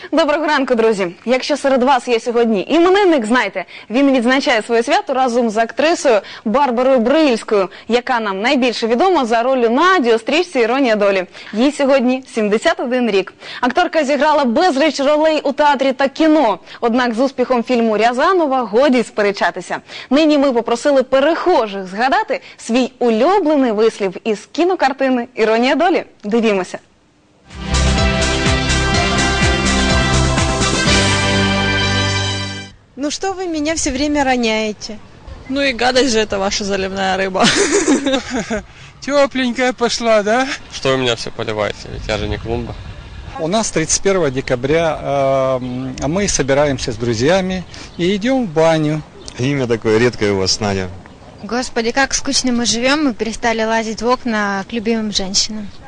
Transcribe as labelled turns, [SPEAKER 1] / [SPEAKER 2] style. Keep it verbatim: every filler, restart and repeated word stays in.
[SPEAKER 1] Доброго ранку, друзі! Якщо серед вас є сьогодні іменинник, знайте, він відзначає своє свято разом з актрисою Барбарою Брильською, яка нам найбільше відома за ролью Наді у стрічці «Іронія долі». Їй сьогодні сімдесят один рік. Акторка зіграла безліч ролей у театрі та кіно. Однак з успіхом фільму Рязанова годі сперечатися. Нині ми попросили перехожих згадати свій улюблений вислів із кінокартини «Іронія долі». Дивімося.
[SPEAKER 2] Ну что вы меня все время роняете?
[SPEAKER 3] Ну и гадость же это ваша заливная рыба.
[SPEAKER 4] Тепленькая пошла, да?
[SPEAKER 5] Что вы меня все поливаете? Ведь я же не клумба.
[SPEAKER 6] У нас тридцать первого декабря э, мы собираемся с друзьями и идем в баню.
[SPEAKER 7] Имя такое редкое у вас, Надя.
[SPEAKER 8] Господи, как скучно мы живем, мы перестали лазить в окна к любимым женщинам.